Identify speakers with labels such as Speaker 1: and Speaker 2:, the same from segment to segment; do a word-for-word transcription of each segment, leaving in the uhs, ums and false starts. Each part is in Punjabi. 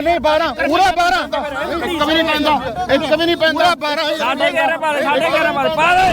Speaker 1: नहीं बारह पूरा बारह एक भी नहीं पैंदा एक भी नहीं पैंदा बारह
Speaker 2: साढ़े ग्यारह पाले साढ़े ग्यारह पाले पाले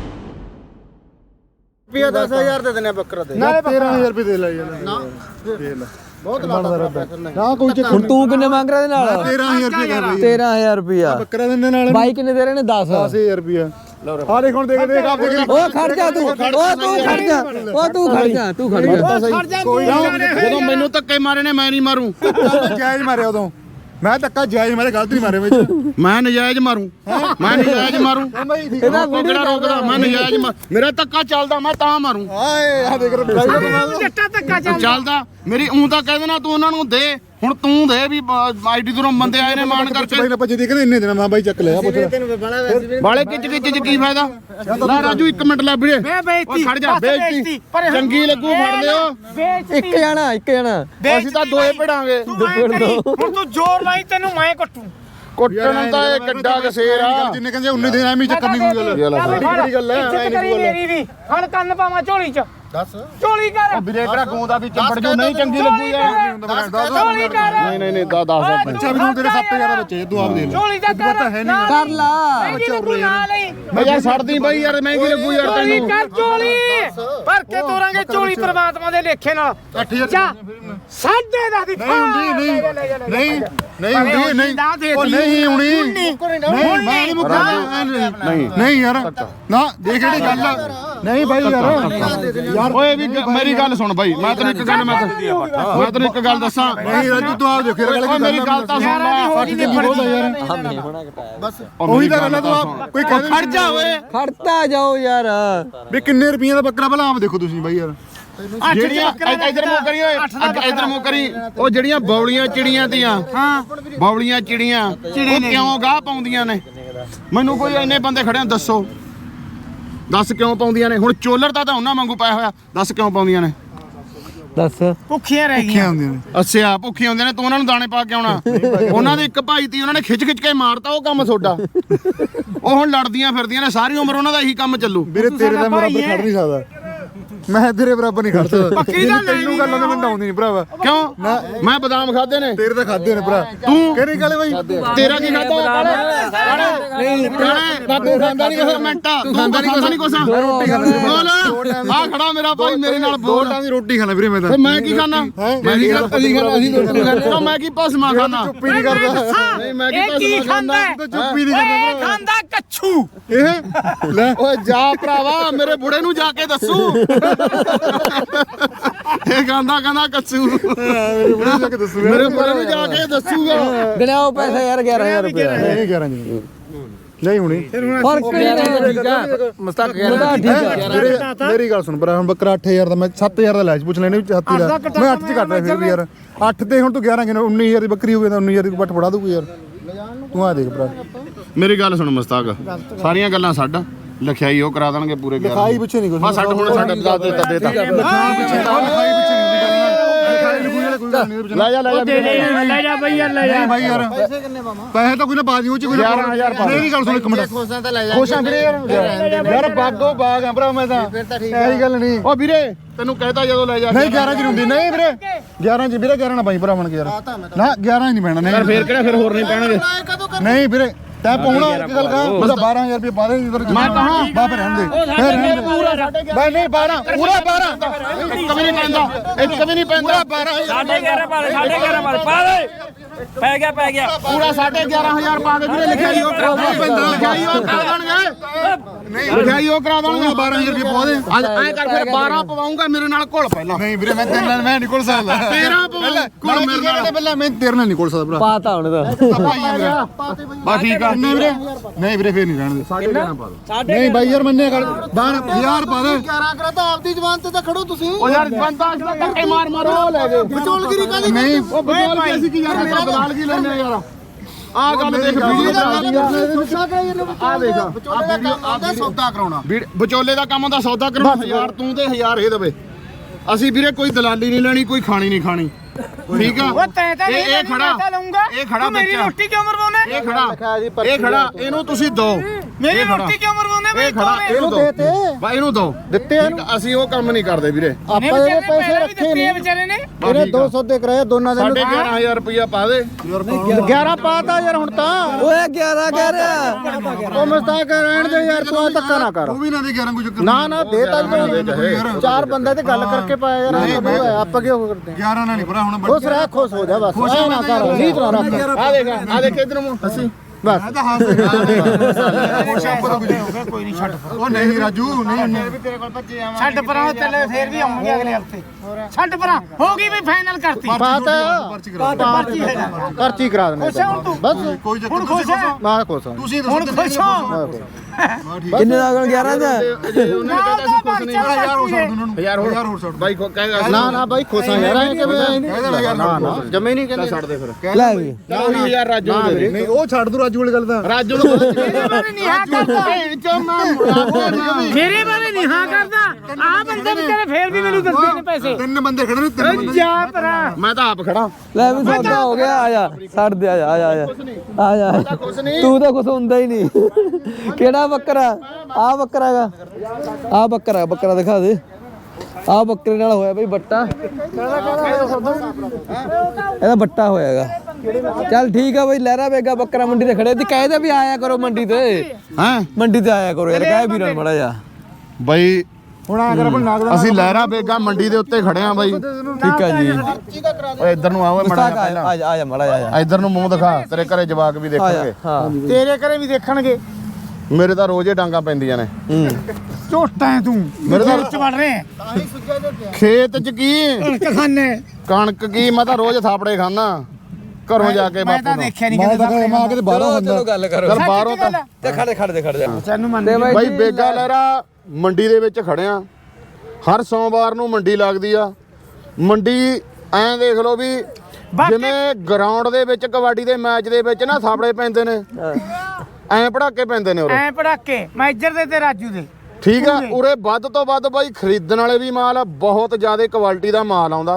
Speaker 1: रुपया दस हजार दे देने बकरा दे तेरह हजार रुपये दे ला ना दे ला बहुत ना कोई
Speaker 3: ਹੁਣ ਤੂੰ ਕਿੰਨੇ ਮੰਗ ਰਿਹਾ ਇਹਦੇ ਨਾਲ
Speaker 1: तेरह हजार रुपये कर रही
Speaker 3: ਤੇਰਾਂ ਹਜ਼ਾਰ ਰੁਪਿਆ
Speaker 1: बकरा देने नाल
Speaker 3: ਬਾਈ ਕਿੰਨੇ ਦੇ ਰਹੇ ਨੇ ਦਸ
Speaker 1: दस हजार रुपया आ देख हुन देख देख आप देख
Speaker 3: ਉਹ ਖੜ ਜਾ ਤੂੰ ਉਹ ਤੂੰ ਖੜ ਜਾ ਉਹ ਤੂੰ ਖੜ ਜਾ ਤੂੰ ਖੜ ਜਾ
Speaker 1: ਕੋਈ ਜਦੋਂ ਮੈਨੂੰ ਧੱਕੇ ਮਾਰੇ ਨੇ ਮੈਂ ਨਹੀਂ ਮਾਰੂ ਜਾਇਜ਼ ਮਾਰਿਆ ਉਦੋਂ ਮੈਂ ਧੱਕਾ ਜਾਇਜ਼ ਮਾਰੇ ਗਲਤ ਨਹੀਂ ਮਾਰੇ ਵਿੱਚ ਮੈਂ ਨਜਾਇਜ਼ ਮਾਰੂ ਮੈਂ ਨਜਾਇਜ਼ ਮਾਰੂ ਇਹਦਾ ਵੀਡੀਓ ਰੋਕਦਾ ਮੈਂ ਨਜਾਇਜ਼ ਮੇਰਾ ਧੱਕਾ ਚੱਲਦਾ ਮੈਂ ਤਾਂ ਮਾਰੂ ਹਾਏ ਆ ਦੇਖ
Speaker 2: ਜੱਟਾ ਧੱਕਾ
Speaker 1: ਚੱਲਦਾ ਮੇਰੀ ਊਂ ਤਾਂ ਕਹਿ ਦੇਣਾ ਤੂੰ ਉਹਨਾਂ ਨੂੰ ਦੇ ਹੁਣ ਤੂੰ ਦੇ ਵੀ ਆਈਡੀ ਤੋਂ ਬੰਦੇ ਆਏ ਨੇ ਮਾਨ ਕਰਕੇ ਬਾਈ ਨੇ ਭੱਜੇ ਦੇ ਕਹਿੰਦੇ ਇੰਨੇ ਦਿਨ ਮੈਂ ਬਾਈ ਚੱਕ ਲਿਆ ਪੁੱਛ ਬਾਲੇ ਕਿਚ ਕਿਚ ਚ ਕੀ ਫਾਇਦਾ ਲੈ ਰਾਜੂ ਇੱਕ ਮਿੰਟ ਲੈ ਵੀਰੇ
Speaker 2: ਮੈਂ ਬੇਇੱਜ਼ਤੀ
Speaker 1: ਖੜ ਜਾ ਬੇਇੱਜ਼ਤੀ ਚੰਗੀ ਲੱਗੂ ਫੜ ਲਿਓ
Speaker 3: ਇੱਕ ਜਣਾ ਇੱਕ ਜਣਾ
Speaker 1: ਅਸੀਂ ਤਾਂ ਦੋਏ ਭੜਾਂਗੇ
Speaker 2: ਹੁਣ ਤੂੰ ਜ਼ੋਰ ਲਾਈ ਤੈਨੂੰ ਮੈਂ ਕੱਟੂ
Speaker 1: ਕੁੱਟਣ ਦਾ ਇਹ ਗੱਡਾ ਕਸੇਰ ਆ ਜਿੰਨੇ ਕਹਿੰਦੇ ਉਨੇ ਦਿਨ ਐਵੇਂ ਚੱਕਰ ਨਹੀਂ ਕੋਈ ਗੱਲ ਬੜੀ ਗੱਲ ਹੈ
Speaker 2: ਮੇਰੀ ਵੀ ਹਣ ਕੰਨ ਪਾਵਾਂ ਝੋਲੀ ਚ
Speaker 1: ਦੱਸ
Speaker 2: ਝੋਲੀ ਕਰ
Speaker 1: ਵੀਰੇ ਕਿਹੜਾ ਗੂੰਦਾ ਵੀ ਚੰਬੜ ਜੋ ਨਹੀਂ ਚੰਗੀ ਲੱਗੂ ਯਾਰ
Speaker 2: ਝੋਲੀ ਕਰ
Speaker 1: ਨਹੀਂ ਨਹੀਂ ਨਹੀਂ ਦਸ ਦਸ
Speaker 3: ਅੱਛਾ ਵੀ ਤੂੰ ਤੇਰੇ ਸੱਤ ਹਜ਼ਾਰ ਬੱਚੇ ਤੂੰ ਆਪ ਦੇ ਲੈ
Speaker 2: ਝੋਲੀ ਦਾ ਕਰ
Speaker 3: ਕਰ ਲਾ
Speaker 1: ਮੈਂ ਯਾਰ ਛੱਡਦੀ ਬਾਈ ਯਾਰ ਮਹਿੰਗੀ ਲੱਗੂ ਯਾਰ
Speaker 2: ਝੋਲੀ
Speaker 1: ਤੈਨੂੰ
Speaker 2: ਕਰ ਝੋਲੀ ਭਰ ਕੇ ਤੋਰਾਂਗੇ ਝੋਲੀ ਪ੍ਰਮਾਤਮਾ ਦੇ ਲੇਖੇ ਨਾਲ
Speaker 1: ਅੱਠ ਹਜ਼ਾਰ
Speaker 2: ਚਾ ਸਾਢੇ ਦਾ ਦੀ
Speaker 1: ਨਹੀਂ ਹੁੰਦੀ ਨਹੀਂ ਨਹੀਂ ਨਹੀਂ ਹੁੰਦੀ ਨਹੀਂ ਉਹ ਨਹੀਂ ਹੁਣੀ ਨਹੀਂ ਮੈਂ ਨਹੀਂ ਮੁਕਰਦਾ ਨਹੀਂ ਨਹੀਂ ਯਾਰ ਨਾ ਦੇਖ ਜਿਹੜੀ ਗੱਲ ਨਹੀਂ ਬਾਈ ਯਾਰ ਯਾਰ ਓਏ ਵੀ ਮੇਰੀ ਗੱਲ ਸੁਣ ਬਾਈ ਮੈਂ ਤੈਨੂੰ ਇੱਕ ਗੱਲ ਮੈਂ ਮੈਂ ਤੈਨੂੰ ਇੱਕ ਗੱਲ ਦੱਸਾਂ ਨਹੀਂ ਰਾਜੂ ਤੂੰ ਆਪ ਦੇਖੇ ਗੱਲ ਮੇਰੀ ਗੱਲ ਤਾਂ ਸੁਣ ਲੈ ਅੱਠ ਦੀ ਬਹੁਤ ਯਾਰ ਬਸ ਉਹੀ ਤਾਂ ਗੱਲ ਤੂੰ ਕੋਈ ਖੜ ਜਾ ਓਏ
Speaker 3: ਖੜਤਾ ਜਾਓ ਯਾਰ
Speaker 1: ਵੀ ਕਿੰਨੇ ਰੁਪਈਆ ਦਾ ਬੱਕਰਾ ਭਲਾ ਆਪ ਦੇਖੋ ਤੁਸੀਂ ਬਾਈ ਯਾਰ ਜਿਹੜੀਆਂ ਇਧਰ ਮੂੰਹ ਕਰੀ ਓਏ ਇਧਰ ਮੂੰਹ ਕਰੀ ਉਹ ਜਿਹੜੀਆਂ ਬੌਲੀਆਂ ਚਿੜੀਆਂ ਤੀਆਂ ਹਾਂ ਬੌਲੀਆਂ ਚਿੜੀਆਂ ਉਹ ਕਿਉਂ ਗਾਹ ਪਾਉਂਦੀਆਂ ਨੇ ਮੈਨੂੰ ਕੋਈ ਇੰਨੇ ਬੰਦੇ ਖੜੇ ਦੱਸੋ ਦੱਸ ਕਿਉਂ ਪਾਉਂਦੀਆਂ ਨੇ ਹੁਣ ਚੋਲਰ ਦਾ ਤਾਂ ਉਹਨਾਂ ਵਾਂਗੂ ਪਾਇਆ ਹੋਇਆ ਦੱਸ ਕਿਉਂ ਪਾਉਂਦੀਆਂ ਨੇ
Speaker 3: ਦੱਸ
Speaker 2: ਭੁੱਖੀਆਂ ਰਹਿ ਗਈਆਂ
Speaker 1: ਹੁੰਦੀਆਂ ਨੇ ਅੱਛਾ ਭੁੱਖੀਆਂ ਹੁੰਦੀਆਂ ਨੇ ਤੂੰ ਉਹਨਾਂ ਨੂੰ ਦਾਣੇ ਪਾ ਕੇ ਆਉਣਾ ਉਹਨਾਂ ਦੇ ਇੱਕ ਭਾਈ ਤੀ ਉਹਨਾਂ ਨੇ ਖਿੱਚ ਖਿੱਚ ਕੇ ਮਾਰਤਾ ਉਹ ਕੰਮ ਤੁਹਾਡਾ ਉਹ ਹੁਣ ਲੜਦੀਆਂ ਫਿਰਦੀਆਂ ਨੇ ਸਾਰੀ ਉਮਰ ਉਹਨਾਂ ਦਾ ਇਹੀ ਕੰਮ ਚੱਲੂ ਵੀਰੇ ਤੇਰੇ ਦਾ ਬਰਾਬਰ ਖੜ ਨਹੀਂ ਸਕਦਾ ਮੈਂ ਤੇਰੇ ਬਰਾਬਰ ਨਹੀਂ ਖੜ ਸਕਦਾ
Speaker 2: ਪੱਕੀ ਗੱਲ
Speaker 1: ਤੈਨੂੰ ਗੱਲਾਂ ਤਾਂ ਮੈਨੂੰ ਆਉਂਦੀ ਨਹੀਂ ਭਰਾਵਾ ਕਿਉਂ ਮੈਂ ਬਦਾਮ ਖਾਦੇ ਨੇ ਤੇਰੇ ਤਾਂ ਖਾਦੇ ਨੇ ਭਰਾ ਤੂੰ ਕਿਹੜੀ ਗੱਲ ਬਾਈ ਤੇਰਾ ਕੀ ਖਾਦਾ ਨਹੀਂ ਤੂੰ ਖਾਂਦਾ ਨਹੀਂ ਕੁਛ ਮਿੰਟਾ ਤੂੰ ਖਾਂਦਾ ਨਹੀਂ ਕੁਛ ਰੋਟੀ ਖਾਂਦਾ ਬੋਲ ਆ ਖੜਾ ਮੇਰਾ ਭਾਈ ਮੇਰੇ ਨਾਲ ਬੋਲ ਦੀ ਰੋਟੀ ਖਾਣਾ ਵੀਰੇ ਮੈਂ ਤਾਂ ਮੈਂ ਕੀ ਖਾਣਾ ਮੈਂ ਕੀ ਖਾਣਾ ਅਸੀਂ ਖਾਣਾ ਅਸੀਂ ਰੋਟੀ ਖਾਣਾ ਮੈਂ ਕੀ ਭਸਮਾ ਖਾਣਾ ਚੁੱਪੀ ਨਹੀਂ ਕਰਦਾ ਨਹੀਂ ਮੈਂ ਕੀ ਭਸਮਾ ਖਾਂਦਾ ਤੂੰ ਚੁੱਪੀ ਨਹੀਂ ਕਰਦਾ
Speaker 2: ਖਾਂਦਾ ਕੱਛੂ
Speaker 1: ਇਹ ਲੈ ਓਏ ਜਾ ਭਰਾਵਾ ਮੇਰੇ ਬੁੜੇ ਨੂੰ ਜਾ ਕੇ ਦੱਸੂ ਇਹ ਕਹਿੰਦਾ ਕਹਿੰਦਾ ਕੱਚੂ ਮੇਰੇ ਬੁੜੇ ਜਾ ਕੇ ਦੱਸੂਗਾ ਮੇਰੇ ਬੁੜੇ ਨੂੰ ਜਾ ਕੇ ਦੱਸੂਗਾ
Speaker 3: ਗਿਣਾਓ ਪੈਸੇ ਯਾਰ ਗਿਆਰਾਂ ਹਜ਼ਾਰ ਰੁਪਏ
Speaker 1: ਨਹੀਂ ਗਿਆਰਾਂ ਜੀ ਨਹੀਂ ਹੁਣੀ
Speaker 3: ਫਰਕ ਨਹੀਂ ਠੀਕ ਆ ਮਸਤਕ ਗਿਆਰਾਂ ਠੀਕ ਆ
Speaker 1: ਮੇਰੀ ਗੱਲ ਸੁਣ ਭਰਾ ਹੁਣ ਬੱਕਰਾ ਅੱਠ ਹਜ਼ਾਰ ਦਾ ਮੈਂ ਸੱਤ ਹਜ਼ਾਰ ਦਾ ਲੈ ਪੁੱਛ ਲੈਣੇ ਵਿੱਚ ਹੱਤੀ ਦਾ ਮੈਂ ਅੱਠ ਚ ਕੱਟ ਰਿਹਾ ਫਿਰ ਵੀ ਯਾਰ ਅੱਠ ਤੇ ਹੁਣ ਤੂੰ ਗਿਆਰਾਂ ਕਿਨੇ ਉੱਨੀ ਹਜ਼ਾਰ ਦੀ ਬੱਕਰੀ ਹੋਵੇ ਤਾਂ ਉੱਨੀ ਹਜ਼ਾਰ ਦੀ ਬੱਟ ਫੜਾ ਦੂਗੀ ਯਾਰ ਤੂੰ ਆ ਦੇਖ ਭਰਾ ਮੇਰੀ ਗੱਲ ਸੁਣ ਮਸਤਾਕ ਸਾਰੀਆਂ ਗੱਲਾਂ ਛੱਡ ਲਿਖਾਈ ਉਹ ਕਰਾ ਦੇਣਗੇ ਪੂਰੇ ਲਿਖਾਈ ਪਿੱਛੇ ਨਹੀਂ ਕੁਝ ਬਸ ਛੱਡ ਹੁਣ ਸਾਡੇ ਬਤਾ ਦੇ ਤਾਂ ਦੇਤਾ ਲਿਖਾਈ ਪਿੱਛੇ ਲਿਖਾਈ ਪਿੱਛੇ ਨਹੀਂ ਗੱਲ ਲੈ ਜਾ ਲੈ ਜਾ
Speaker 2: ਲੈ ਜਾ ਬਈ ਯਾਰ ਲੈ ਜਾ
Speaker 1: ਭਾਈ ਯਾਰ ਪੈਸੇ ਕਿੰਨੇ ਪਾਵਾਂ ਪੈਸੇ ਤਾਂ ਕੋਈ ਨਾ ਬਾਜੀ ਉਹ ਚ ਕੋਈ ਗਿਆਰਾਂ ਹਜ਼ਾਰ ਪਾ ਮੇਰੀ ਗੱਲ ਸੁਣ ਇੱਕ ਮਿੰਟ ਖੋਸਾਂ ਤਾਂ ਲੈ ਜਾ ਖੋਸਾਂ ਵੀਰੇ ਯਾਰ ਯਾਰ ਬਾਗੋ ਬਾਗ ਆ ਭਰਾ ਮੈਂ ਤਾਂ ਇਹੀ ਗੱਲ ਨਹੀਂ ਉਹ ਵੀਰੇ ਤੈਨੂੰ ਕਹਿਤਾ ਜਦੋਂ ਲੈ ਜਾ ਨਹੀਂ ਗਿਆਰਾਂ ਚ ਨਹੀਂ ਹੁੰਦੀ ਨਹੀਂ ਵੀਰੇ ਗਿਆਰਾਂ ਚ ਵੀਰੇ ਗਿਆਰਾਂ ਨਾ ਪਾਈ ਭਰਾ ਬਣ ਕੇ ਯਾਰ ਨਾ ਗਿਆਰਾਂ ਹੀ ਨਹੀਂ ਪੈਣਾ ਨਹੀਂ ਫੇਰ ਕਿਹੜਾ ਫਿਰ ਹੋਰ ਨਹੀਂ ਪੈਣਗੇ ਨਹੀਂ ਵੀਰੇ ਤੈਂ ਪਾਉਣਾ ਇੱਕ ਗੱਲ ਕਹਾਂ ਮੈਂ ਬਾਰਾਂ ਹਜ਼ਾਰ ਰੁਪਏ ਪਾ ਦੇ ਇਧਰ ਮੈਂ ਕਹਾਂ ਬਾਬੇ ਰਹਿਣ ਦੇ ਫੇਰ ਰਹਿਣ ਦੇ ਮੈਂ ਨਹੀਂ ਬਾਰਾਂ ਪੂਰਾ ਬਾਰਾਂ ਇੱਕ ਵੀ ਨਹੀਂ ਪੈਂਦਾ ਇੱਕ ਵੀ ਨਹੀਂ ਪੈਂਦਾ ਬਾਰਾਂ
Speaker 2: ਸਾਢੇ ਗਿਆਰਾਂ ਪਾਲੇ ਸਾਢੇ ਗਿਆਰਾਂ ਪਾਲੇ ਪਾਲੇ ਪੈ ਗਿਆ ਪੈ ਗਿਆ
Speaker 1: ਪੂਰਾ ਸਾਢੇ ਗਿਆਰਾਂ ਹਜ਼ਾਰ ਪਾ ਕੇ ਵੀਰੇ ਲਿਖਾਈ ਉਹ ਕਰਾ ਦੇਣਗੇ ਲਿਖਾਈ ਉਹ ਕਰਾ ਦੇਣਗੇ ਨਹੀਂ ਲਿਖਾਈ ਉਹ ਕਰਾ ਦੇਣਗੇ ਬਾਰਾਂ ਹਜ਼ਾਰ ਰੁਪਏ ਪਾ ਦੇ ਅੱਜ ਐ ਕਰ ਫਿਰ ਬਾਰਾਂ ਪਵਾਉਂਗਾ ਮੇਰੇ ਨਾਲ ਘੁਲ ਪਹਿਲਾਂ ਨਹੀਂ ਵੀਰੇ ਮੈਂ ਤੇਰੇ ਨਾਲ ਮੈਂ ਨਹੀਂ ਘੁਲ ਸਕਦਾ ਤੇਰਾ ਪਵਾ ਘੁਲ ਮੇਰੇ ਨਾਲ ਪਹਿਲਾਂ ਮੈਂ ਤੇਰੇ ਨਾਲ ਨਹੀਂ ਘੁਲ ਸਕਦਾ ਭਰਾ
Speaker 3: ਪਾਤਾ ਹੁਣ ਦਾ
Speaker 1: ਬਾ ਠੀਕ ਆ ਨਹੀਂ ਵੀਰੇ ਨਹੀਂ ਵੀਰੇ ਫੇਰ ਨਹੀਂ ਰਹਿਣ ਦੇ ਸਾਢੇ ਗਿਆਰਾਂ ਪਾ ਦੇ ਨਹੀਂ ਬਾਈ ਯਾਰ ਮੰਨੇ ਗੱਲ ਬਾਰਾਂ ਹਜ਼ਾਰ ਪਾ ਦੇ ਗਿਆਰਾਂ ਕਰਾ ਤਾਂ ਆਪਦੀ ਜ਼ਬਾਨ ਤੇ ਤਾਂ ਖੜੋ ਤੁਸੀਂ ਉਹ ਯਾਰ ਬੰਦਾ ਇਸ ਦਾ ਧੱਕੇ ਮਾਰ ਮਾਰੋ ਲੈ ਗਏ ਵਿਚੋਲਗਿਰੀ ਕਾਦੀ ਨਹੀਂ ਉਹ ਵਿਚੋਲ ਕੇ ਅਸੀਂ ਕੀ ਯਾਰ ਬਦਲਾਲ ਕੀ ਲੈਣੇ ਯਾਰ ਆ ਗੱਲ ਦੇਖ ਵੀਡੀਓ ਦਾ ਆ ਦੇਖ ਆ ਵੀਡੀਓ ਆ ਸੌਦਾ ਕਰਾਉਣਾ ਵਿਚੋਲੇ ਦਾ ਕੰਮ ਹੁੰਦਾ ਸੌਦਾ ਕਰਾਉਣਾ ਹਜ਼ਾਰ ਤੂੰ ਤੇ ਹਜ਼ਾਰ ਇਹ ਦੇਵੇ ਅਸੀਂ ਵੀਰੇ ਕੋਈ ਦਲਾਲੀ ਨਹੀਂ ਲੈਣੀ ਕੋਈ ਖਾਣੀ ਨਹੀਂ ਖਾਣੀ ਠੀਕ ਆ
Speaker 2: ਉਹ ਤੈਂ ਤਾਂ
Speaker 1: ਇਹ ਇਹ ਖੜਾ ਇਹ ਖੜਾ
Speaker 2: ਮੇਰੀ ਰੋਟੀ ਕਿਉਂ ਮਰਵਾਉਣਾ
Speaker 1: ਇਹ ਖੜਾ ਇਹ ਖੜਾ ਇਹਨੂੰ ਤੁਸੀਂ ਦੋ
Speaker 2: ਮੇਰੀ ਰੋਟੀ ਕਿਉਂ ਮਰਵਾਉਣਾ ਵੀ
Speaker 1: ਖੜਾ ਇਹਨੂੰ
Speaker 3: ਦੇ ਤੇ
Speaker 1: ਬਾਈ ਇਹਨੂੰ ਦੋ
Speaker 3: ਦਿੱਤੇ
Speaker 1: ਅਸੀਂ ਉਹ ਕੰਮ ਨਹੀਂ ਕਰਦੇ ਵੀਰੇ
Speaker 2: ਆਪਾਂ ਇਹਦੇ ਪੈਸੇ ਰੱਖੇ ਨੇ ਵਿਚਾਰੇ ਨੇ
Speaker 3: ਇਹਨੇ ਦੋ ਸੌ ਦੇ ਕਰਾਏ ਦੋਨਾਂ ਦੇ
Speaker 1: ਸਾਢੇ ਗਿਆਰਾਂ ਹਜ਼ਾਰ ਰੁਪਇਆ ਪਾ ਦੇ
Speaker 3: ਗਿਆਰਾਂ ਪਾਤਾ ਯਾਰ ਹੁਣ ਤਾਂ ਓਏ ਗਿਆਰਾਂ ਕਹਿ ਰਿਹਾ ਉਹ ਮਸਤਾਕ ਰਹਿਣ ਦੇ ਯਾਰ ਤੂੰ ਧੱਕਾ ਨਾ ਕਰ
Speaker 1: ਉਹ ਵੀ ਨਾ ਦੇ ਗਿਆਰਾਂ ਕੋਈ ਚੱਕਰ
Speaker 3: ਨਾ ਨਾ ਦੇ ਤਾਂ ਚਾਰ ਬੰਦੇ ਤੇ ਗੱਲ ਕਰਕੇ ਪਾਇਆ ਯਾਰ ਆਪਾਂ ਕਿਉਂ ਕਰਦੇ
Speaker 1: ਗਿਆਰਾਂ ਨਾਲ ਨਹੀਂ ਭਰਾ ਹੁਣ
Speaker 3: ਖੁਸ਼ ਰਹਿ ਖੁਸ਼ ਹੋ ਜਾ ਬਸ ਐ ਨਾ ਕਰ ਨੀਤ ਨਾ ਰੱਖ
Speaker 1: ਆ ਦੇਖ ਆ ਦੇਖ ਇਧਰ ਨੂੰ ਅਸੀਂ
Speaker 3: ਬਸ
Speaker 1: ਮੈਂ ਤਾਂ ਹਾਸ ਕੋਈ ਨਹੀਂ ਛੱਡ ਉਹ ਨਹੀਂ ਰਾਜੂ ਨਹੀਂ
Speaker 2: ਤੇਰੇ ਕੋਲ ਭੱਜੇ ਆਵਾਂ ਛੱਡ ਪਰਾਂ ਚੱਲੇ ਫੇਰ ਵੀ ਆਉਂਗੇ ਅਗਲੇ ਹਫਤੇ ਛੱਡ ਪਰਾਂ ਹੋ ਗਈ ਵੀ ਫਾਈਨਲ ਕਰਤੀ
Speaker 3: ਪਰਚੀ ਕਰਾ ਪਰਚੀ ਕਰਾ ਦੇਣਾ ਬਸ
Speaker 1: ਕੋਈ ਚੱਕਰ
Speaker 2: ਹੁਣ ਖੁਸ਼ ਹੈ
Speaker 3: ਮੈਂ ਖੁਸ਼ ਹਾਂ
Speaker 1: ਤੁਸੀਂ
Speaker 2: ਹੁਣ ਖੁਸ਼ ਹੋ
Speaker 3: ਕਿੰਨੇ ਦਾ ਗਣ ਗਿਆਰਾਂ ਦਾ
Speaker 1: ਉਹਨੇ ਕਹਿੰਦਾ ਸੀ ਕੁਛ ਨਹੀਂ ਯਾਰ ਹੋਰ ਛੱਡ ਉਹਨਾਂ ਨੂੰ ਯਾਰ ਹੋਰ ਛੱਡ ਬਾਈ ਕਹੇਗਾ
Speaker 3: ਨਾ ਨਾ ਬਾਈ ਖੁਸ਼ ਹਾਂ ਯਾਰ ਐ ਕਿਵੇਂ ਨਾ ਨਾ ਜਮੇ ਨਹੀਂ ਕਹਿੰਦੇ
Speaker 1: ਛੱਡ ਦੇ ਫਿਰ
Speaker 3: ਲੈ ਵੀ
Speaker 1: ਉਹੀ ਯਾਰ ਰਾਜੂ ਨੂੰ ਦੇ
Speaker 3: ਨਹੀਂ ਉਹ ਛੱਡ ਦੂ ਰਾਜੂ ਵਾਲੀ ਗੱਲ ਤਾਂ
Speaker 1: ਰਾਜੂ ਨੂੰ
Speaker 2: ਮੇਰੇ ਬਾਰੇ ਨਹੀਂ ਹਾਂ ਕਰਦਾ ਮੇਰੇ ਬਾਰੇ ਨਹੀਂ ਹਾਂ ਕਰਦਾ ਆ ਬੰਦੇ ਵਿਚਾਰੇ ਫੇਰ ਵੀ ਮੈਨੂੰ ਦਿੰਦੇ ਨੇ ਪੈਸੇ
Speaker 1: ਤਿੰਨ ਬੰਦੇ ਖੜੇ ਨੇ ਤਿੰਨ ਬੰਦੇ
Speaker 2: ਜਾ ਪਰਾਂ
Speaker 1: ਮੈਂ ਤਾਂ ਆਪ ਖੜਾ
Speaker 3: ਲੈ ਵੀ ਸੌਦਾ ਹੋ ਗਿਆ ਆ ਜਾ ਛੱਡ ਦੇ ਆ ਜਾ ਆ ਜਾ ਆ ਜਾ ਤੂੰ ਤਾਂ ਕੁਛ ਹੁੰਦਾ ਹੀ ਨਹੀਂ ਕਿਹੜਾ ਬੱਕਰਾ ਆ ਬੱਕਰਾ ਹੈਗਾ ਆ ਬੱਕਰਾ ਬੱਕਰਾ ਦਿਖਾ ਦੇ ਆ ਬੱਕਰੇ ਨਾਲ ਹੋਇਆ ਬਈ ਬੱਟਾ ਇਹਦਾ ਬੱਟਾ ਹੋਇਆਗਾ ਚੱਲ ਠੀਕ ਆ ਬਈ ਲਹਿਰਾ ਬੇਗਾ ਬੱਕਰਾ ਮੰਡੀ ਤੇ ਖੜੇ ਤੇ ਕਹਿੰਦੇ ਵੀ ਆਇਆ ਕਰੋ ਮੰਡੀ ਤੇ
Speaker 1: ਹੈ
Speaker 3: ਮੰਡੀ ਤੇ ਆਇਆ ਕਰੋ ਯਾਰ ਕਹਿ ਵੀਰਾਂ ਮੜਾ ਜਾ
Speaker 1: ਬਾਈ
Speaker 3: ਹੁਣ ਆ ਕਰ ਆਪਣਾ ਨਾਗ
Speaker 1: ਅਸੀਂ ਲਹਿਰਾ ਬੇਗਾ ਮੰਡੀ ਦੇ ਉੱਤੇ ਖੜੇ ਆ ਬਾਈ
Speaker 3: ਠੀਕ ਆ ਜੀ
Speaker 1: ਓਏ ਇੱਧਰ ਨੂੰ ਆਓ ਮੜਾ
Speaker 3: ਆ ਜਾ ਆ ਜਾ ਮੜਾ ਜਾ
Speaker 1: ਇੱਧਰ ਨੂੰ ਮੂੰਹ ਦਿਖਾ ਤੇਰੇ ਘਰੇ ਜਵਾਕ ਵੀ ਦੇਖਣਗੇ
Speaker 3: ਹਾਂ
Speaker 2: ਤੇਰੇ ਘਰੇ ਵੀ ਦੇਖਣਗੇ
Speaker 1: ਮੇਰੇ ਤਾਂ ਰੋਜ਼ ਹੀ ਡਾਂਗਾ ਪੈਂਦੀਆਂ ਨੇ
Speaker 3: ਹੂੰ
Speaker 2: ਝੋਟਾ ਹੈ ਤੂੰ
Speaker 1: ਮੇਰੇ ਤਾਂ
Speaker 2: ਵਿੱਚ ਵੜ ਰਿਹਾ
Speaker 1: ਖੇਤ ਚ ਕੀ
Speaker 2: ਕਣਕ ਖਾਨੇ
Speaker 1: ਕਣਕ ਕੀ ਮੈਂ ਤਾਂ ਰੋਜ਼ ਥਾਪੜੇ ਖਾਣਾ ਘਰੋਂ ਜਾ ਕੇ
Speaker 2: ਮੈਂ
Speaker 1: ਬਾਪੂ
Speaker 2: ਤਾਂ
Speaker 1: ਨਾਲ
Speaker 2: ਦੇਖਿਆ ਨਹੀਂ ਕਿਤੇ
Speaker 3: ਮੈਂ ਕਿਤੇ ਬਾਹਰੋਂ ਹੁੰਦਾ ਗੱਲ ਕਰੋ
Speaker 1: ਚੱਲ ਬਾਹਰੋਂ ਤਾਂ
Speaker 3: ਤੇ ਖੜੇ ਖੜੇ ਖੜ ਜਾ
Speaker 2: ਤੈਨੂੰ ਮੰਨ
Speaker 3: ਤੇ
Speaker 1: ਬਾਈ ਬੇਗਾ ਲਹਿਰਾ ਮੰਡੀ ਦੇ ਵਿੱਚ ਖੜਿਆ ਹਰ ਸੋਮਵਾਰ ਨੂੰ ਮੰਡੀ ਲੱਗਦੀ ਆ ਮੰਡੀ ਐਂ ਦੇਖ ਲਓ ਵੀ ਜਿਵੇਂ ਗਰਾਊਂਡ ਦੇ ਵਿੱਚ ਕਬੱਡੀ ਦੇ ਮੈਚ ਦੇ ਵਿੱਚ ਨਾ ਥਾਪੜੇ ਪੈਂਦੇ ਨੇ ਐਂ ਪੜਾਕੇ ਪੈਂਦੇ ਨੇ ਉਰੇ
Speaker 2: ਐ ਪੜਾਕੇ ਮੈਜਰ ਦੇ ਤੇ ਰਾਜੂ ਦੇ
Speaker 1: ਠੀਕ ਆ ਉਰੇ ਵੱਧ ਤੋਂ ਵੱਧ ਬਾਈ ਖਰੀਦਣ ਵਾਲੇ ਵੀ ਮਾਲ ਆ ਬਹੁਤ ਜ਼ਿਆਦਾ ਕੁਆਲਿਟੀ ਦਾ ਮਾਲ ਆਉਂਦਾ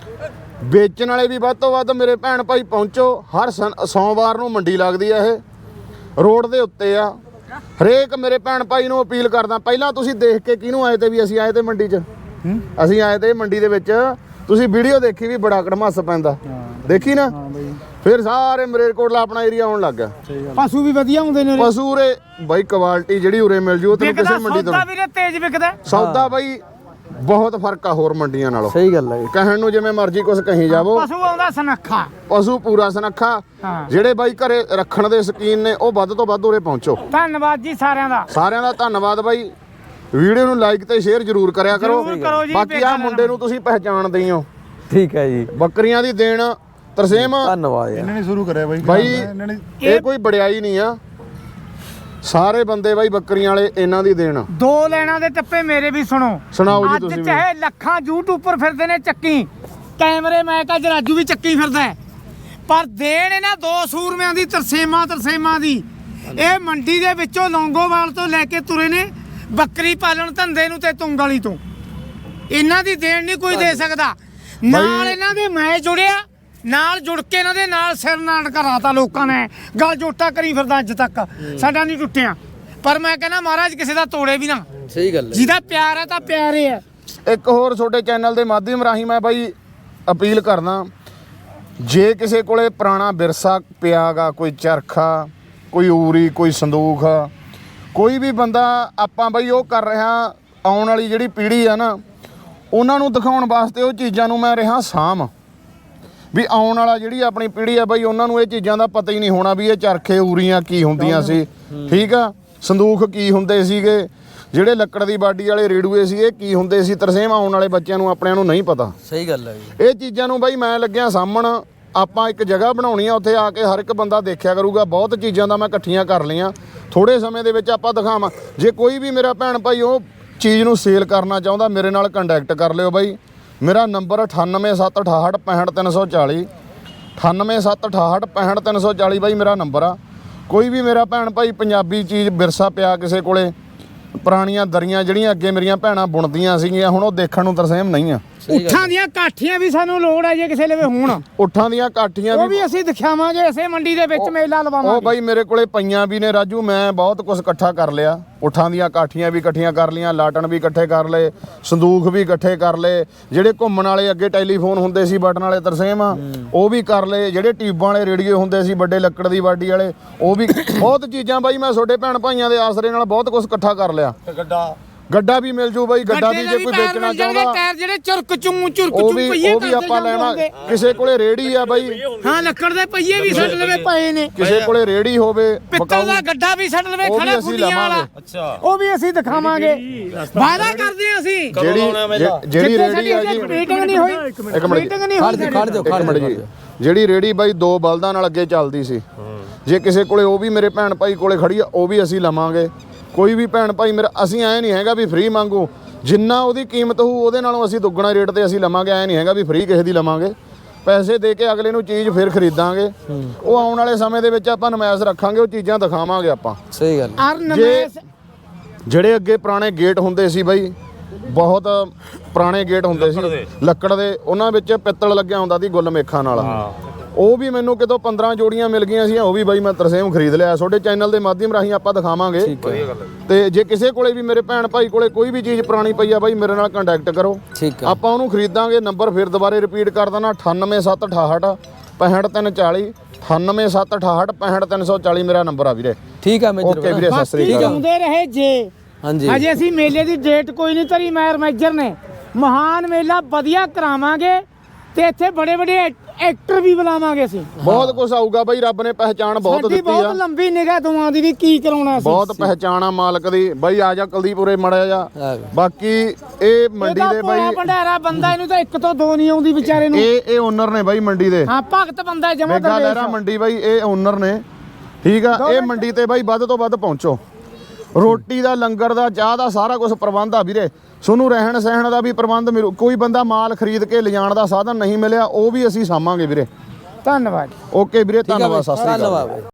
Speaker 1: ਵੇਚਣ ਵਾਲੇ ਵੀ ਵੱਧ ਤੋਂ ਵੱਧ ਮੇਰੇ ਭੈਣ ਭਾਈ ਪਹੁੰਚੋ ਹਰ ਸੋਮਵਾਰ ਨੂੰ ਮੰਡੀ ਲੱਗਦੀ ਆ ਇਹ ਰੋਡ ਦੇ ਉੱਤੇ ਆ ਹਰੇਕ ਮੇਰੇ ਭੈਣ ਭਾਈ ਨੂੰ ਅਪੀਲ ਕਰਦਾ ਪਹਿਲਾਂ ਤੁਸੀਂ ਦੇਖ ਕੇ ਕਿਹਨੂੰ ਆਏ ਤੇ ਵੀ ਅਸੀਂ ਆਏ ਤੇ ਮੰਡੀ 'ਚ ਅਸੀਂ ਆਏ ਤੇ ਮੰਡੀ ਦੇ ਵਿੱਚ ਤੁਸੀਂ ਵੀਡੀਓ ਦੇਖੀ ਵੀ ਬੜਾ ਕੜਮੱਸ ਪੈਂਦਾ ਦੇਖੀ ਨਾ ਫਿਰ ਸਾਰੇ ਮਰੇਰਕੋਟਲਾ ਆਪਣਾ ਏਰੀਆ ਆਉਣ ਲੱਗ ਗਿਆ
Speaker 2: ਪਸ਼ੂ ਵੀ ਵਧੀਆ ਹੁੰਦੇ ਨੇ
Speaker 1: ਪਸ਼ੂ ਉਰੇ ਬਾਈ ਕੁਆਲਿਟੀ ਜਿਹੜੀ ਉਰੇ ਮਿਲ ਜੂ ਉਹ ਤੈਨੂੰ ਕਿਸੇ ਮੰਡੀ ਤੋਂ
Speaker 2: ਸੌਦਾ ਵੀਰੇ ਤੇਜ਼ ਵਿਕਦਾ
Speaker 1: ਸੌਦਾ ਬਾਈ ਬਹੁਤ ਫਰਕ ਆ ਹੋਰ ਮੰਡੀਆਂ ਨਾਲੋਂ
Speaker 3: ਸਹੀ ਗੱਲ ਹੈ
Speaker 1: ਕਹਿਣ ਨੂੰ ਜਿਵੇਂ ਮਰਜ਼ੀ ਕੁਝ ਕਹੀ ਜਾਵੋ
Speaker 2: ਪਸ਼ੂ ਆਉਂਦਾ ਸਨੱਖਾ
Speaker 1: ਪਸ਼ੂ ਪੂਰਾ ਸਨੱਖਾ ਜਿਹੜੇ ਬਾਈ ਘਰੇ ਰੱਖਣ ਦੇ ਸ਼ਕੀਨ ਨੇ ਉਹ ਵੱਧ ਤੋਂ ਵੱਧ ਉਰੇ ਪਹੁੰਚੋ
Speaker 2: ਧੰਨਵਾਦ ਜੀ ਸਾਰਿਆਂ ਦਾ
Speaker 1: ਸਾਰਿਆਂ ਦਾ ਧੰਨਵਾਦ ਬਾਈ ਵੀਡੀਓ ਨੂੰ ਲਾਈਕ ਤੇ ਸ਼ੇਅਰ ਜ਼ਰੂਰ ਕਰਿਆ ਕਰੋ
Speaker 2: ਜ਼ਰੂਰ ਕਰੋ ਜੀ,
Speaker 1: ਬਾਕੀ ਆ ਮੁੰਡੇ ਨੂੰ ਤੁਸੀਂ ਪਹਿਚਾਣਦੇ ਹੀ ਹੋ
Speaker 3: ਠੀਕ ਹੈ ਜੀ
Speaker 1: ਬੱਕਰੀਆਂ ਦੀ ਦੇਣ ਤਰਸੇਮ
Speaker 3: ਧੰਨਵਾਦ ਯਾਰ
Speaker 1: ਇਹਨਾਂ ਨੇ ਸ਼ੁਰੂ ਕਰਿਆ ਬਾਈ ਬਾਈ ਇਹ ਕੋਈ ਬੜਿਆਈ ਨਹੀਂ ਆ ਸਾਰੇ ਬੰਦੇ ਬਾਈ ਬੱਕਰੀਆਂ ਵਾਲੇ ਇਹਨਾਂ ਦੀ ਦੇਣ
Speaker 2: ਦੋ ਲੈਣਾ ਦੇ ਟੱਪੇ ਮੇਰੇ ਵੀ ਸੁਣੋ
Speaker 1: ਸੁਣਾਓ ਜੀ
Speaker 2: ਅੱਜ
Speaker 1: ਤੁਸੀਂ ਵੀ।
Speaker 2: ਚਾਹੇ ਲੱਖਾਂ ਯੂਟਿਊਬਰ ਫਿਰਦੇ ਨੇ ਚੱਕੀ ਕੈਮਰੇ ਮੈਂ ਕਾ ਰਾਜੂ ਵੀ ਚੱਕੀ ਫਿਰਦਾ ਹੈ। ਪਰ ਦੇਣ ਇਹਨਾਂ ਦੋ ਸੂਰਮਿਆਂ ਦੀ ਤਰਸੇਮਾ ਤਰਸੇਮਾ ਦੀ ਇਹ ਮੰਡੀ ਦੇ ਵਿੱਚੋਂ ਲੌਂਗੋਵਾਲ ਤੋਂ ਲੈ ਕੇ ਤੁਰੇ ਨੇ ਬੱਕਰੀ ਪਾਲਣ ਧੰਦੇ ਨੂੰ ਤੇ ਤੁੰਗਲੀ ਤੋਂ ਇਹਨਾਂ ਦੀ ਦੇਣ ਨਹੀਂ ਕੋਈ ਦੇ ਸਕਦਾ ਨਾਲ ਇਹਨਾਂ ਦੇ ਮੈਂ ਜੁੜਿਆ ਨਾਲ ਜੁੜ ਕੇ ਇਹਨਾਂ ਦੇ ਨਾਲ ਸਿਰ ਨਾਟ ਕਰਾਤਾ ਲੋਕਾਂ ਨੇ ਗੱਲ ਜੋਟਾ ਕਰੀ ਫਿਰਦਾ ਅੱਜ ਤੱਕ ਸਾਡਾ ਨਹੀਂ ਟੁੱਟਿਆ ਪਰ ਮੈਂ ਕਹਿੰਦਾ ਮਹਾਰਾਜ ਕਿਸੇ ਦਾ ਤੋੜੇ ਵੀ ਨਾ
Speaker 3: ਸਹੀ ਗੱਲ ਹੈ
Speaker 2: ਜਿਹਦਾ ਪਿਆਰ ਹੈ ਤਾਂ ਪਿਆਰ ਹੀ ਹੈ।
Speaker 1: ਇੱਕ ਹੋਰ ਤੁਹਾਡੇ ਚੈਨਲ ਦੇ ਮਾਧਿਅਮ ਰਾਹੀਂ ਮੈਂ ਬਾਈ ਅਪੀਲ ਕਰਦਾ ਜੇ ਕਿਸੇ ਕੋਲੇ ਪੁਰਾਣਾ ਵਿਰਸਾ ਪਿਆਗਾ ਕੋਈ ਚਰਖਾ ਕੋਈ ਊਰੀ ਕੋਈ ਸੰਦੂਖ ਕੋਈ ਵੀ ਬੰਦਾ ਆਪਾਂ ਬਾਈ ਉਹ ਕਰ ਰਿਹਾ ਆਉਣ ਵਾਲੀ ਜਿਹੜੀ ਪੀੜ੍ਹੀ ਆ ਨਾ ਉਹਨਾਂ ਨੂੰ ਦਿਖਾਉਣ ਵਾਸਤੇ ਉਹ ਚੀਜ਼ਾਂ ਨੂੰ ਮੈਂ ਰਿਹਾ ਸਾਂਭ ਵੀ ਆਉਣ ਵਾਲਾ ਜਿਹੜੀ ਆਪਣੀ ਪੀੜ੍ਹੀ ਆ ਬਾਈ ਉਹਨਾਂ ਨੂੰ ਇਹ ਚੀਜ਼ਾਂ ਦਾ ਪਤਾ ਹੀ ਨਹੀਂ ਹੋਣਾ ਵੀ ਇਹ ਚਰਖੇ ਊਰੀਆਂ ਕੀ ਹੁੰਦੀਆਂ ਸੀ ਠੀਕ ਆ ਸੰਦੂਖ ਕੀ ਹੁੰਦੇ ਸੀਗੇ ਜਿਹੜੇ ਲੱਕੜ ਦੀ ਬਾਡੀ ਵਾਲੇ ਰੇੜੂਏ ਸੀ ਇਹ ਕੀ ਹੁੰਦੇ ਸੀ ਤਰਸੇਮ ਆਉਣ ਵਾਲੇ ਬੱਚਿਆਂ ਨੂੰ ਆਪਣਿਆਂ ਨੂੰ ਨਹੀਂ ਪਤਾ
Speaker 3: ਸਹੀ ਗੱਲ ਹੈ ਜੀ
Speaker 1: ਇਹ ਚੀਜ਼ਾਂ ਨੂੰ ਬਾਈ ਮੈਂ ਲੱਗਿਆ ਸਾਹਮਣ ਆਪਾਂ ਇੱਕ ਜਗ੍ਹਾ ਬਣਾਉਣੀ ਆ ਉੱਥੇ ਆ ਕੇ ਹਰ ਇੱਕ ਬੰਦਾ ਦੇਖਿਆ ਕਰੂਗਾ ਬਹੁਤ ਚੀਜ਼ਾਂ ਦਾ ਮੈਂ ਇਕੱਠੀਆਂ ਕਰ ਲਈਆਂ ਥੋੜੇ ਸਮੇਂ ਦੇ ਵਿੱਚ ਆਪਾਂ ਦਿਖਾਵਾਂ ਜੇ ਕੋਈ ਵੀ ਮੇਰਾ ਭੈਣ ਭਾਈ ਉਹ ਚੀਜ਼ ਨੂੰ ਸੇਲ ਕਰਨਾ ਚਾਹੁੰਦਾ ਮੇਰੇ ਨਾਲ ਕੰਟੈਕਟ ਕਰ ਲਿਓ ਬਾਈ ਮੇਰਾ ਨੰਬਰ ਅਠਾਨਵੇਂ ਸੱਤ ਅਠਾਹਠ ਪੈਂਹਠ ਤਿੰਨ ਸੌ ਚਾਲੀ ਅਠਾਨਵੇਂ ਸੱਤ ਅਠਾਹਠ ਪੈਂਹਠ ਤਿੰਨ ਸੌ ਚਾਲੀ ਬਾਈ ਮੇਰਾ ਨੰਬਰ ਆ ਕੋਈ ਵੀ ਮੇਰਾ ਭੈਣ ਭਾਈ ਪੰਜਾਬੀ ਚੀਜ਼ ਵਿਰਸਾ ਪਿਆ ਕਿਸੇ ਕੋਲੇ ਪੁਰਾਣੀਆਂ ਦਰੀਆਂ ਜਿਹੜੀਆਂ ਅੱਗੇ ਮੇਰੀਆਂ ਭੈਣਾਂ ਬੁਣਦੀਆਂ ਸੀਗੀਆਂ ਹੁਣ ਉਹ ਦੇਖਣ ਨੂੰ ਤਰਸੇਮ ਨਹੀਂ ਆ
Speaker 2: ਉੱਠਾਂ ਦੀਆਂ ਕਾਠੀਆਂ ਵੀ ਸਾਨੂੰ ਲੋੜ ਹੈ ਜੇ ਕਿਸੇ ਲਵੇ ਹੋਣ
Speaker 1: ਉੱਠਾਂ ਦੀਆਂ ਕਾਠੀਆਂ
Speaker 2: ਉਹ ਵੀ ਅਸੀਂ ਦਿਖਾਵਾਂਗੇ ਇਸੇ ਮੰਡੀ ਦੇ ਵਿੱਚ ਮੇਲਾ
Speaker 1: ਉਹ
Speaker 2: ਲਵਾਵਾਂਗੇ
Speaker 1: ਬਾਈ ਮੇਰੇ ਕੋਲੇ ਪਈਆਂ ਵੀ ਨੇ ਰਾਜੂ ਮੈਂ ਬਹੁਤ ਕੁਝ ਇਕੱਠਾ ਕਰ ਲਿਆ ਉੱਠਾਂ ਦੀਆਂ ਕਾਠੀਆਂ ਵੀ ਇਕੱਠੀਆਂ ਕਰ ਲੀਆਂ ਲਾਟਣ ਵੀ ਇਕੱਠੇ ਕਰ ਲਏ ਸੰਦੂਖ ਵੀ ਇਕੱਠੇ ਕਰ ਲਏ ਜਿਹੜੇ ਘੁੰਮਣ ਵਾਲੇ ਅੱਗੇ ਟੈਲੀਫੋਨ ਹੁੰਦੇ ਸੀ ਬਟਨ ਵਾਲੇ ਤਰਸੇਮ ਉਹ ਵੀ ਕਰ ਲਏ ਜਿਹੜੇ ਟਿਊਬਾਂ ਵਾਲੇ ਰੇਡੀਓ ਹੁੰਦੇ ਸੀ ਵੱਡੇ ਲੱਕੜ ਦੀ ਵਾਡੀ ਵਾਲੇ ਉਹ ਵੀ ਬਹੁਤ ਚੀਜ਼ਾਂ ਬਾਈ ਮੈਂ ਤੁਹਾਡੇ ਭੈਣ ਭਾਈਆਂ ਦੇ ਆਸਰੇ ਨਾਲ ਬਹੁਤ ਕੁਝ ਇਕੱਠਾ ਕਰ ਲਿਆ
Speaker 4: ਗੱਡਾ
Speaker 1: ਗੱਡਾ ਵੀ ਮਿਲ ਜੂ ਬਾਈ ਗੱਡਾ ਵੀ ਜੇ ਕੋਈ ਵੇਚਣਾ ਚਾਹੁੰਦਾ
Speaker 2: ਟਾਇਰ ਜਿਹੜੇ ਚੁਰਕ ਚੂੰ ਚੁਰਕ
Speaker 1: ਉਹ
Speaker 2: ਚੂੰ
Speaker 1: ਵੀ
Speaker 2: ਪਈਏ
Speaker 1: ਉਹ ਵੀ ਆਪਾਂ ਲੈਣਾ ਕਿਸੇ ਕੋਲੇ ਰੇੜੀ ਆ ਬਾਈ
Speaker 2: ਹਾਂ ਲੱਕੜ ਦੇ ਪਈਏ ਵੀ ਛੱਡ ਲਵੇ ਪਏ ਨੇ
Speaker 1: ਕਿਸੇ ਕੋਲੇ ਰੇੜੀ ਹੋਵੇ
Speaker 2: ਪਿੱਤਲ ਦਾ ਗੱਡਾ ਵੀ ਛੱਡ ਲਵੇ
Speaker 1: ਉਹ ਵੀ
Speaker 2: ਖੜਾ
Speaker 1: ਅਸੀਂ
Speaker 2: ਫੁੱਲੀਆਂ ਵਾਲਾ
Speaker 4: ਅੱਛਾ
Speaker 2: ਉਹ ਵੀ ਅਸੀਂ ਦਿਖਾਵਾਂਗੇ ਵਾਅਦਾ ਕਰਦੇ ਹਾਂ ਅਸੀਂ
Speaker 1: ਜਿਹੜੀ ਜਿਹੜੀ ਰੇੜੀ ਆ ਜੀ
Speaker 2: ਮੀਟਿੰਗ ਨਹੀਂ ਹੋਈ
Speaker 1: ਇੱਕ ਮਿੰਟ
Speaker 2: ਮੀਟਿੰਗ ਨਹੀਂ
Speaker 3: ਖੜ
Speaker 2: ਹੋਈ
Speaker 3: ਜਾ ਖੜ ਜਾ
Speaker 1: ਇੱਕ ਮਿੰਟ ਜੀ ਜਿਹੜੀ ਰੇੜੀ ਬਾਈ ਦੋ ਬਲਦਾਂ ਨਾਲ ਅੱਗੇ ਚੱਲਦੀ ਸੀ ਜੇ ਕਿਸੇ ਕੋਲੇ ਉਹ ਵੀ ਮੇਰੇ ਭੈਣ ਭਾਈ ਕੋਲੇ ਖੜੀ ਆ ਉਹ ਵੀ ਅਸੀਂ ਲਵਾਂਗੇ ਕੋਈ ਵੀ ਭੈਣ ਭਾਈ ਮੇਰਾ ਅਸੀਂ ਐ ਨਹੀਂ ਹੈਗਾ ਵੀ ਫ੍ਰੀ ਮੰਗੂ ਜਿੰਨਾ ਉਹਦੀ ਕੀਮਤ ਹੋਊ ਉਹਦੇ ਨਾਲੋਂ ਅਸੀਂ ਦੁੱਗਣਾ ਰੇਟ ਤੇ ਅਸੀਂ ਲਵਾਂਗੇ ਐ ਨਹੀਂ ਹੈਗਾ ਵੀ ਫ੍ਰੀ ਕਿਸੇ ਦੀ ਲਵਾਂਗੇ ਪੈਸੇ ਦੇ ਕੇ ਅਗਲੇ ਨੂੰ ਚੀਜ਼ ਫਿਰ ਖਰੀਦਾਂਗੇ ਉਹ ਆਉਣ ਵਾਲੇ ਸਮੇਂ ਦੇ ਵਿੱਚ ਆਪਾਂ ਨਮਾਇਸ਼ ਰੱਖਾਂਗੇ ਉਹ ਚੀਜ਼ਾਂ ਦਿਖਾਵਾਂਗੇ ਆਪਾਂ
Speaker 3: ਸਹੀ ਗੱਲ
Speaker 2: ਅਰ ਨਮੈਸ
Speaker 1: ਜਿਹੜੇ ਅੱਗੇ ਪੁਰਾਣੇ ਗੇਟ ਹੁੰਦੇ ਸੀ ਬਾਈ ਬਹੁਤ ਪੁਰਾਣੇ ਗੇਟ ਹੁੰਦੇ ਸੀ ਲੱਕੜ ਦੇ ਉਹਨਾਂ ਵਿੱਚ ਪਿੱਤਲ ਲੱਗਿਆ ਹੁੰਦਾ ਸੀ ਗੁੱਲ ਮੇਖਾਂ ਨਾਲ ਉਹ ਵੀ ਮੈਨੂੰ ਕਿਤੋਂ ਪੰਦਰਾਂ ਜੋੜੀਆਂ ਮਿਲ ਗਈਆਂ ਸੀ ਉਹ ਵੀ ਬਾਈ ਮੈਂ ਤਰਸੇਮ ਖਰੀਦ ਲਿਆ ਤੁਹਾਡੇ ਚੈਨਲ ਦੇ ਮਾਧਿਅਮ ਰਾਹੀਂ ਆਪਾਂ ਦਿਖਾਵਾਂਗੇ ਤੇ ਜੇ ਕਿਸੇ ਕੋਲੇ ਵੀ ਮੇਰੇ ਭੈਣ ਭਾਈ ਕੋਲੇ ਕੋਈ ਵੀ ਚੀਜ਼ ਪੁਰਾਣੀ ਪਈ ਆ ਬਾਈ ਮੇਰੇ ਨਾਲ ਕੰਟੈਕਟ ਕਰੋ
Speaker 3: ਠੀਕ ਆ
Speaker 1: ਆਪਾਂ ਉਹਨੂੰ ਖਰੀਦਾਂਗੇ ਨੰਬਰ ਫਿਰ ਦੁਬਾਰੇ ਰਿਪੀਟ ਕਰ ਦੇਣਾ ਅਠਾਨਵੇਂ ਸੱਤ ਅਠਾਹਠ ਪੈਂਹਠ ਤਿੰਨ ਚਾਲੀ ਅਠਾਨਵੇਂ ਸੱਤ ਅਠਾਹਠ ਪੈਂਹਠ ਤਿੰਨ ਸੌ ਚਾਲੀ ਮੇਰਾ ਨੰਬਰ ਆ ਵੀਰੇ
Speaker 3: ਠੀਕ ਆ ਮੇਜਰ
Speaker 1: ਓਕੇ ਵੀਰੇ ਸਤਿ ਸ੍ਰੀ ਅਕਾਲ
Speaker 2: ਜਿਉਂਦੇ ਰਹੇ ਜੇ
Speaker 3: ਹਾਂਜੀ
Speaker 2: ਹਜੇ ਅਸੀਂ ਮੇਲੇ ਦੀ ਡੇਟ ਕੋਈ ਨਹੀਂ ਧਰੀ ਮੈਰ ਮੈਜਰ ਨੇ ਮਹਾਨ ਮੇਲਾ ਵਧੀਆ ਕਰਾਵਾਂਗੇ ਤੇ ਇੱਥੇ ਬੜੇ ਬੜੇ ਐਕਟਰ ਵੀ ਬੁਲਾਵਾਂਗੇ ਅਸੀਂ
Speaker 1: ਬਹੁਤ ਕੁਝ ਆਊਗਾ ਬਾਈ ਰੱਬ ਨੇ ਪਹਿਚਾਣ ਬਹੁਤ
Speaker 2: ਸਾਡੀ
Speaker 1: ਦਿੱਤੀ ਆ
Speaker 2: ਬਹੁਤ ਲੰਬੀ ਨਿਗਾਹ ਦੋਵਾਂ ਦੀ ਵੀ ਕੀ ਕਰਾਉਣਾ ਸੀ
Speaker 1: ਬਹੁਤ ਪਹਿਚਾਣ ਆ ਮਾਲਕ ਦੀ ਬਾਈ ਆ ਜਾ ਕੁਲਦੀਪੁਰੇ ਮੜਿਆ ਜਾ
Speaker 3: ਆ ਗਿਆ।
Speaker 1: ਬਾਕੀ ਇਹ ਮੰਡੀ
Speaker 2: ਇਹਦਾ
Speaker 1: ਦੇ
Speaker 2: ਭੋਲਾ
Speaker 1: ਬਾਈ
Speaker 2: ਭੰਡਾਰਾ ਬੰਦਾ ਇਹਨੂੰ ਤਾਂ ਇੱਕ ਤੋਂ ਦੋ ਨਹੀਂ ਆਉਂਦੀ ਵਿਚਾਰੇ ਨੂੰ
Speaker 1: ਇਹ ਇਹ ਓਨਰ ਨੇ ਬਾਈ ਮੰਡੀ ਦੇ
Speaker 2: ਹਾਂ ਭਗਤ ਬੰਦਾ ਜਮਾ
Speaker 1: ਮੇਗਾ ਲਹਿਰਾ ਮੰਡੀ ਬਾਈ ਇਹ ਓਨਰ ਨੇ ਠੀਕ ਆ ਇਹ ਮੰਡੀ ਤੇ ਬਾਈ ਵੱਧ ਤੋਂ ਵੱਧ ਪਹੁੰਚੋ ਰੋਟੀ ਦਾ ਲੰਗਰ ਦਾ ਚਾਹ ਦਾ ਸਾਰਾ ਕੁਝ ਪ੍ਰਬੰਧ ਆ ਵੀਰੇ ਤੁਹਾਨੂੰ ਰਹਿਣ ਸਹਿਣ ਦਾ ਵੀ ਪ੍ਰਬੰਧ ਮਿਲੂ ਕੋਈ ਬੰਦਾ ਮਾਲ ਖਰੀਦ ਕੇ ਲਿਜਾਣ ਦਾ ਸਾਧਨ ਨਹੀਂ ਮਿਲਿਆ ਉਹ ਵੀ ਅਸੀਂ ਸਾਂਭਾਂਗੇ ਵੀਰੇ
Speaker 2: ਧੰਨਵਾਦ
Speaker 1: ਓਕੇ ਵੀਰੇ ਧੰਨਵਾਦ ਸਤਿ ਸ੍ਰੀ ਅਕਾਲ
Speaker 3: ਧੰਨਵਾਦ